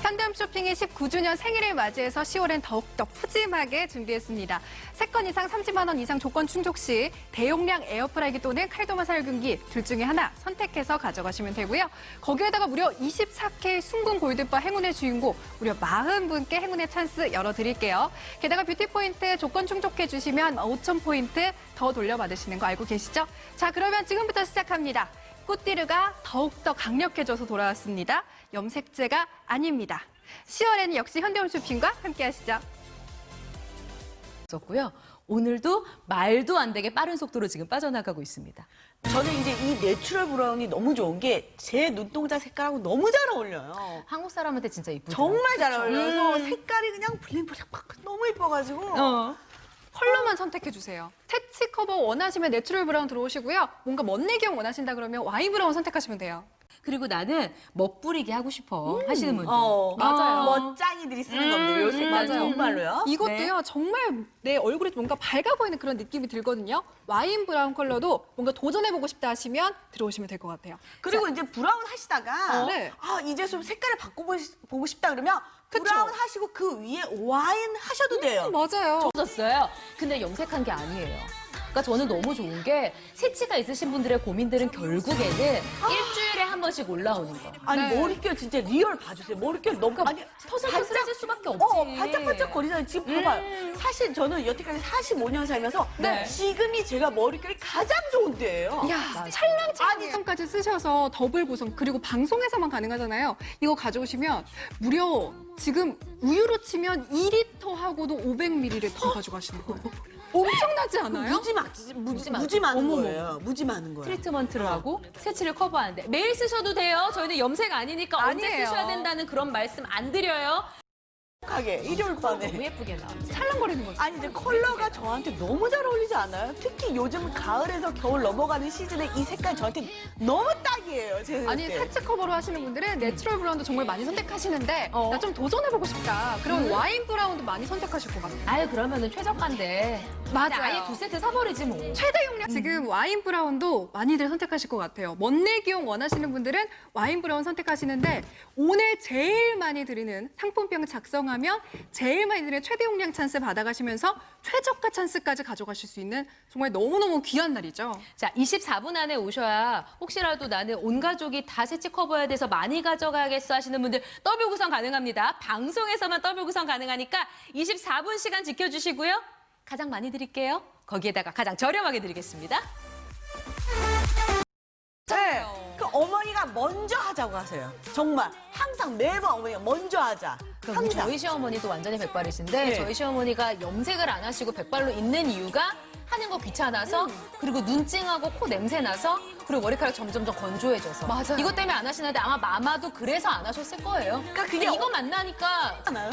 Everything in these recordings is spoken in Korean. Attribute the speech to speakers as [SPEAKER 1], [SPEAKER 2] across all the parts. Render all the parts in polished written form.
[SPEAKER 1] 현대홈쇼핑이 19주년 생일을 맞이해서 10월엔 더욱더 푸짐하게 준비했습니다. 3건 이상 30만 원 이상 조건 충족 시 대용량 에어프라이기 또는 칼도마 살균기 둘 중에 하나 선택해서 가져가시면 되고요. 거기에다가 무려 24K 순금 골드바 행운의 주인공 무려 40분께 행운의 찬스 열어드릴게요. 게다가 뷰티포인트 조건 충족해 주시면 5,000포인트 더 돌려받으시는 거 알고 계시죠? 자, 그러면 지금부터 시작합니다. 꽃띠르가 더욱더 강력해져서 돌아왔습니다. 염색제가 아닙니다. 10월에는 역시 현대홈쇼핑과 함께 하시죠.
[SPEAKER 2] 고요. 오늘도 말도 안 되게 빠른 속도로 지금 빠져나가고 있습니다.
[SPEAKER 3] 저는 이제 이 내추럴 브라운이 너무 좋은 게 제 눈동자 색깔하고 너무 잘 어울려요.
[SPEAKER 2] 한국 사람한테 진짜 이쁘죠.
[SPEAKER 3] 정말 잘 어울려서 색깔이 그냥 블링블링 막 너무 예뻐가지고.
[SPEAKER 1] 컬러만 선택해주세요. 태치 커버 원하시면 내추럴 브라운 들어오시고요. 뭔가 멋내기형 원하신다 그러면 와인 브라운 선택하시면 돼요.
[SPEAKER 2] 그리고 나는 멋부리게 하고 싶어 하시는 분들.
[SPEAKER 1] 맞아요.
[SPEAKER 3] 멋쟁이들이 쓰는 겁니다. 요 색깔
[SPEAKER 1] 맞아요.
[SPEAKER 3] 정말로요.
[SPEAKER 1] 이것도요, 정말 내 얼굴에 뭔가 밝아 보이는 그런 느낌이 들거든요. 와인 브라운 컬러도 뭔가 도전해보고 싶다 하시면 들어오시면 될 것 같아요.
[SPEAKER 3] 그리고 이제 브라운 하시다가
[SPEAKER 1] 네.
[SPEAKER 3] 이제 좀 색깔을 바꿔보고 싶다 그러면
[SPEAKER 1] 그쵸?
[SPEAKER 3] 브라운 하시고 그 위에 와인 하셔도 돼요.
[SPEAKER 1] 맞아요.
[SPEAKER 2] 좋았어요. 근데 염색한 게 아니에요. 그러니까 저는 너무 좋은 게 세치가 있으신 분들의 고민들은 결국에는 일주일에 한 번씩 올라오는 거.
[SPEAKER 3] 아니
[SPEAKER 1] 네.
[SPEAKER 3] 머릿결 진짜 리얼 봐주세요. 머릿결 너무
[SPEAKER 2] 터슬터슬해질 수밖에 없지.
[SPEAKER 3] 반짝반짝 거리잖아요. 지금 봐봐요. 사실 저는 여태까지 45년 살면서
[SPEAKER 2] 네.
[SPEAKER 3] 지금이 제가 머릿결이 가장 좋은 때예요.
[SPEAKER 1] 이야, 찰랑찰랑까지 쓰셔서 더블 구성, 그리고 방송에서만 가능하잖아요. 이거 가져오시면 무려 지금 우유로 치면 2리터하고도 500ml 가져가시는 거예요. 엄청나지 않아요?
[SPEAKER 3] 무지 많은 거예요. 무지 많은 거예요.
[SPEAKER 2] 트리트먼트를 하고 세치를 커버하는데 매일 쓰셔도 돼요. 저희는 염색 아니니까 언제
[SPEAKER 1] 아니에요.
[SPEAKER 2] 쓰셔야 된다는 그런 말씀 안 드려요.
[SPEAKER 3] 하게 일요일 밤에.
[SPEAKER 2] 너무 예쁘게 나오죠.
[SPEAKER 1] 찰랑거리는 거죠.
[SPEAKER 3] 아니 이제 컬러가 저한테 너무 잘 어울리지 않아요? 특히 요즘 가을에서 겨울 넘어가는 시즌에 이 색깔 저한테 너무 딱이에요. 제 생각에.
[SPEAKER 1] 아니, 태치 커버로 하시는 분들은 내추럴 브라운도 정말 많이 선택하시는데 나 좀 도전해보고 싶다. 그럼 와인 브라운도 많이 선택하실 것 같아요.
[SPEAKER 2] 아유 그러면은 최저가인데.
[SPEAKER 1] 맞아요.
[SPEAKER 2] 아예 2세트 사버리지 뭐.
[SPEAKER 1] 최대 용량 지금 와인 브라운도 많이들 선택하실 것 같아요. 멋내기용 원하시는 분들은 와인 브라운 선택하시는데 오늘 제일 많이 드리는 상품병 작성하면 제일 많이 드리는 최대 용량 찬스 받아가시면서 최저가 찬스까지 가져가실 수 있는 정말 너무너무 귀한 날이죠.
[SPEAKER 2] 자, 24분 안에 오셔야 혹시라도 나는 온 가족이 다 세치 커버해야 돼서 많이 가져가야겠어 하시는 분들 더블 구성 가능합니다. 방송에서만 더블 구성 가능하니까 24분 시간 지켜주시고요. 가장 많이 드릴게요. 거기에다가 가장 저렴하게 드리겠습니다.
[SPEAKER 3] 네. 그 어머니가 먼저 하자고 하세요. 정말 항상 매번 어머니가 먼저 하자.
[SPEAKER 2] 그럼
[SPEAKER 3] 항상.
[SPEAKER 2] 저희 시어머니도 완전히 백발이신데
[SPEAKER 3] 네.
[SPEAKER 2] 저희 시어머니가 염색을 안 하시고 백발로 있는 이유가 하는 거 귀찮아서 그리고 눈찡하고 코 냄새 나서 그리고 머리카락 점점점 건조해져서
[SPEAKER 1] 맞아요.
[SPEAKER 2] 이것 때문에 안 하시는데 아마 마마도 그래서 안 하셨을 거예요.
[SPEAKER 3] 그러니까 그게
[SPEAKER 2] 근데 이거 만나니까
[SPEAKER 3] 하나요?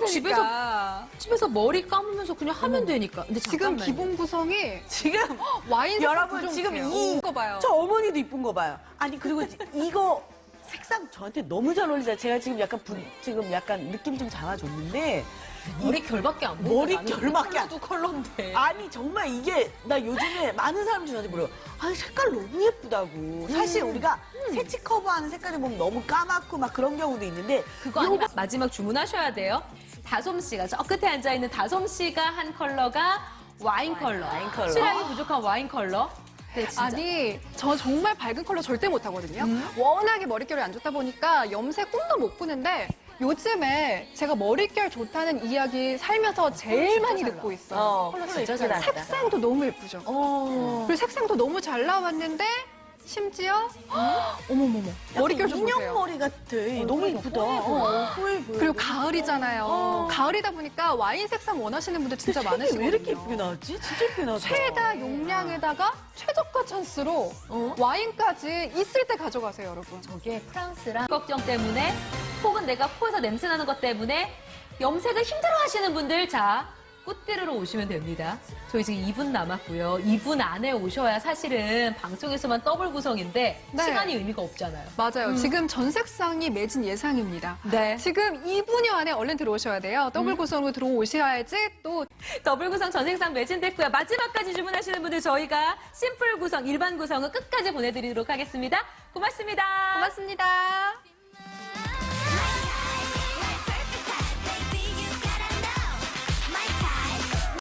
[SPEAKER 2] 집에서 머리 감으면서 그냥 하면 되니까. 근데
[SPEAKER 1] 지금
[SPEAKER 2] 잠깐만요.
[SPEAKER 1] 기본 구성이
[SPEAKER 3] 지금
[SPEAKER 1] 와인
[SPEAKER 3] 여러분 지금
[SPEAKER 1] 이거 봐요.
[SPEAKER 3] 저 어머니도 이쁜 거 봐요. 아니 그리고 이거 색상 저한테 너무 잘 어울리잖아요. 제가 지금 약간 느낌 좀 잡아줬는데
[SPEAKER 2] 머리 결밖에 안 보여.
[SPEAKER 3] 머리 결밖에 안-
[SPEAKER 2] 도 컬러인데.
[SPEAKER 3] 아니 정말 이게 나 요즘에 많은 사람들이 저한테 물어요. 아니 색깔 너무 예쁘다고. 사실 우리가 세치 커버하는 색깔을 보면 너무 까맣고 막 그런 경우도 있는데
[SPEAKER 2] 그거 아니면 마지막 주문하셔야 돼요. 다솜 씨가 저 끝에 앉아 있는 다솜 씨가 한 컬러가 와인 컬러. 수량이 부족한 와인 컬러. 네, 진짜.
[SPEAKER 1] 아니, 저 정말 밝은 컬러 절대 못 하거든요. 워낙에 머릿결이 안 좋다 보니까 염색 꿈도 못 꾸는데 요즘에 제가 머릿결 좋다는 이야기 살면서 제일 많이 듣고 있어요.
[SPEAKER 3] 컬러
[SPEAKER 2] 진짜 잘 나온다.
[SPEAKER 1] 색상도 너무 예쁘죠. 그리고 색상도 너무 잘 나왔는데 심지어 어머머머 머릿결 좀
[SPEAKER 3] 인형
[SPEAKER 1] 보세요.
[SPEAKER 3] 머리 같아. 너무 예쁘다. 뽀해 보여.
[SPEAKER 1] 그리고 가을이잖아요. 가을이다 보니까 와인 색상 원하시는 분들 진짜
[SPEAKER 3] 색이
[SPEAKER 1] 많으시거든요.
[SPEAKER 3] 왜 이렇게 예쁘게 나왔지? 진짜 예쁘게 나왔다.
[SPEAKER 1] 최다 용량에다가 최저가 찬스로 와인까지 있을 때 가져가세요, 여러분.
[SPEAKER 2] 저게 프랑스랑 걱정 때문에 혹은 내가 코에서 냄새 나는 것 때문에 염색을 힘들어 하시는 분들 자 꽃띠르러 오시면 됩니다. 저희 지금 2분 남았고요. 2분 안에 오셔야 사실은 방송에서만 더블 구성인데
[SPEAKER 1] 네.
[SPEAKER 2] 시간이 의미가 없잖아요.
[SPEAKER 1] 맞아요. 지금 전 색상이 매진 예상입니다.
[SPEAKER 2] 네.
[SPEAKER 1] 지금 2분여 안에 얼른 들어오셔야 돼요. 더블 구성으로 들어오셔야지 또
[SPEAKER 2] 더블 구성 전 색상 매진됐고요. 마지막까지 주문하시는 분들 저희가 심플 구성, 일반 구성은 끝까지 보내드리도록 하겠습니다. 고맙습니다.
[SPEAKER 1] 고맙습니다.